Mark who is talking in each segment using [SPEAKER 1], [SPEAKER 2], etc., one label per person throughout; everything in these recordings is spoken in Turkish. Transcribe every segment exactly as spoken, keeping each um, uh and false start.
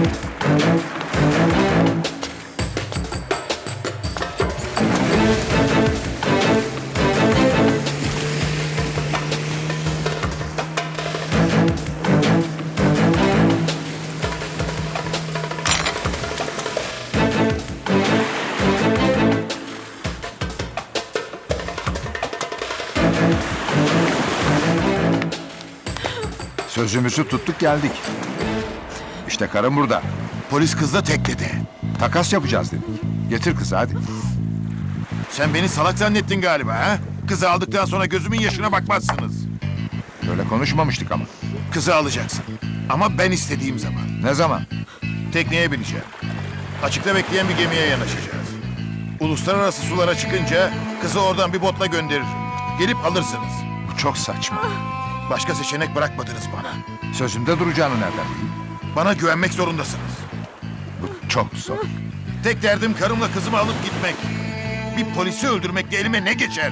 [SPEAKER 1] Sözümüzü tuttuk geldik. İşte karım burada.
[SPEAKER 2] Polis kız da tekledi.
[SPEAKER 1] Takas yapacağız dedik. Getir kızı hadi.
[SPEAKER 2] Sen beni salak zannettin galiba ha? Kızı aldıktan sonra gözümün yaşına bakmazsınız.
[SPEAKER 1] Böyle konuşmamıştık ama.
[SPEAKER 2] Kızı alacaksın. Ama ben istediğim zaman.
[SPEAKER 1] Ne zaman?
[SPEAKER 2] Tekneye bineceğim. Açıkta bekleyen bir gemiye yanaşacağız. Uluslararası sulara çıkınca kızı oradan bir botla gönderirim. Gelip alırsınız.
[SPEAKER 1] Bu çok saçma.
[SPEAKER 2] Başka seçenek bırakmadınız bana.
[SPEAKER 1] Sözümde duracağını nereden bileyim?
[SPEAKER 2] Bana güvenmek zorundasınız.
[SPEAKER 1] Bu çok zor.
[SPEAKER 2] Tek derdim karımla kızımı alıp gitmek. Bir polisi öldürmekle elime ne geçer?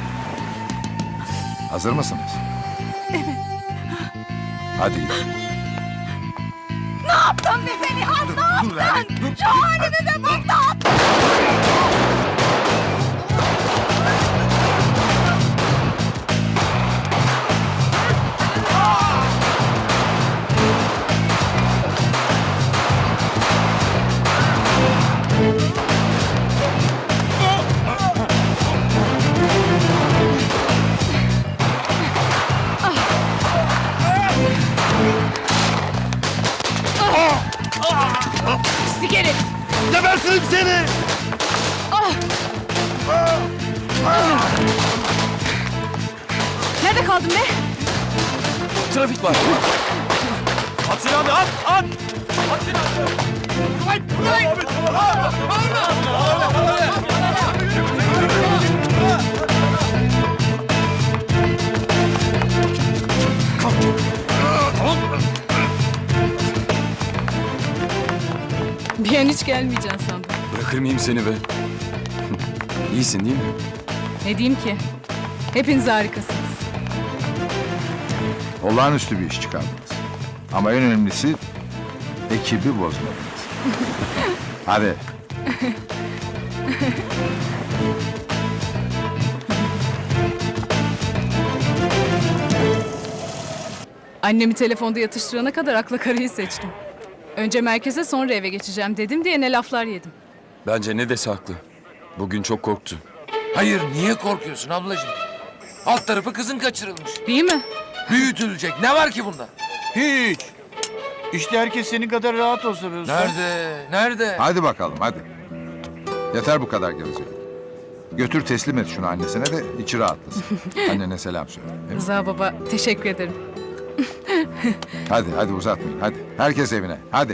[SPEAKER 1] Hazır mısınız? Evet. Hadi gidelim.
[SPEAKER 3] Ne yaptın bize Nihat?
[SPEAKER 2] Dur,
[SPEAKER 3] Ne
[SPEAKER 2] dur
[SPEAKER 3] yaptın?
[SPEAKER 2] Lale, dur.
[SPEAKER 3] Şu halimize bak, ne yaptın? Pislik herif!
[SPEAKER 2] Gebertirim seni!
[SPEAKER 3] Nerede kaldın be?
[SPEAKER 4] Trafik var. At silahını at at. At silahını.
[SPEAKER 3] Bir an hiç gelmeyeceksin sandım.
[SPEAKER 4] Bırakır mıyım seni be? İyisin değil mi?
[SPEAKER 3] Ne diyeyim ki? Hepiniz harikasınız.
[SPEAKER 1] Olağanüstü bir iş çıkardınız. Ama en önemlisi ekibi bozmadınız. Hadi.
[SPEAKER 3] Annemi telefonda yatıştırana kadar akla karayı seçtim. Önce merkeze, sonra eve geçeceğim dedim diye ne laflar yedim.
[SPEAKER 4] Bence ne dese haklı. Bugün çok korktu.
[SPEAKER 5] Hayır, niye korkuyorsun ablacığım? Alt tarafı kızın kaçırılmış.
[SPEAKER 3] Değil mi?
[SPEAKER 5] Büyütülecek. Ne var ki bunda?
[SPEAKER 6] Hiç. İşte herkes senin kadar rahat olsa be usta.
[SPEAKER 5] Nerede? Nerede?
[SPEAKER 1] Hadi bakalım hadi. Yeter bu kadar gevezelik. Götür teslim et şunu annesine de içi rahatlasın. Annene selam söyle.
[SPEAKER 3] Rıza baba, teşekkür ederim.
[SPEAKER 1] Hadi hadi uzatmayın hadi. Herkes evine hadi.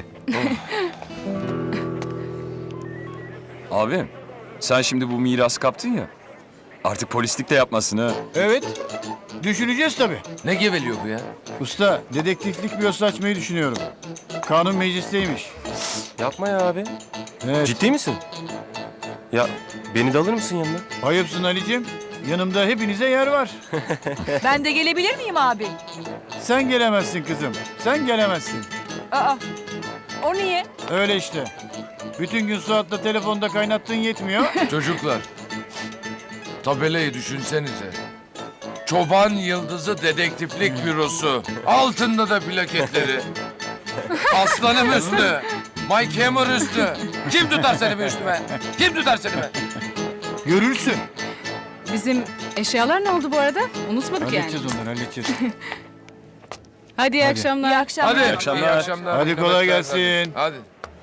[SPEAKER 4] Abi sen şimdi bu mirası kaptın ya. Artık polislik de yapmasın ha.
[SPEAKER 6] Evet. Düşüneceğiz tabii.
[SPEAKER 5] Ne geveliyor bu ya?
[SPEAKER 6] Usta, dedektiflik bir açmayı düşünüyorum. Kanun meclisteymiş.
[SPEAKER 7] Yapma ya abi.
[SPEAKER 6] Evet.
[SPEAKER 7] Ciddi misin? Ya beni de alır mısın yanına?
[SPEAKER 6] Ayıpsın Ali'cim. Yanımda hepinize yer var.
[SPEAKER 3] Ben de gelebilir miyim abi?
[SPEAKER 6] Sen gelemezsin kızım. Sen gelemezsin.
[SPEAKER 3] Aa, o niye?
[SPEAKER 6] Öyle işte. Bütün gün Suat'la telefonda kaynattığın yetmiyor.
[SPEAKER 5] Çocuklar, tabelayı düşünsenize. Çoban Yıldızı Dedektiflik Bürosu. Altında da plaketleri. Aslanım üstü. Mike Hammer üstü. Kim tutar seni be üstüme? Kim tutar seni be?
[SPEAKER 6] Görürsün.
[SPEAKER 3] Bizim eşyalar ne oldu bu arada? Unutmadık yani.
[SPEAKER 6] Halledeceğiz onları, halledeceğiz.
[SPEAKER 3] Hadi iyi
[SPEAKER 6] Hadi.
[SPEAKER 3] akşamlar. İyi akşamlar.
[SPEAKER 5] Hadi.
[SPEAKER 4] İyi akşamlar.
[SPEAKER 5] İyi akşamlar.
[SPEAKER 6] Hadi kolay
[SPEAKER 5] Nöbetler,
[SPEAKER 6] gelsin.
[SPEAKER 5] Hadi.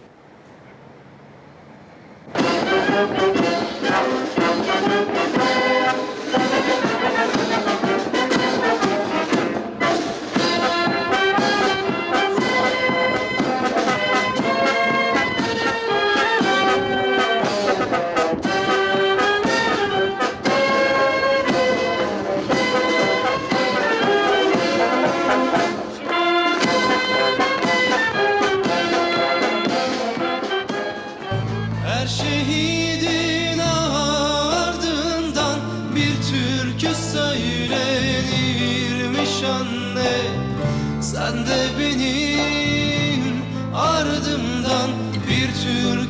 [SPEAKER 8] Her şehidin ardından bir türkü söylenirmiş anne. Sen de benim ardımdan türkü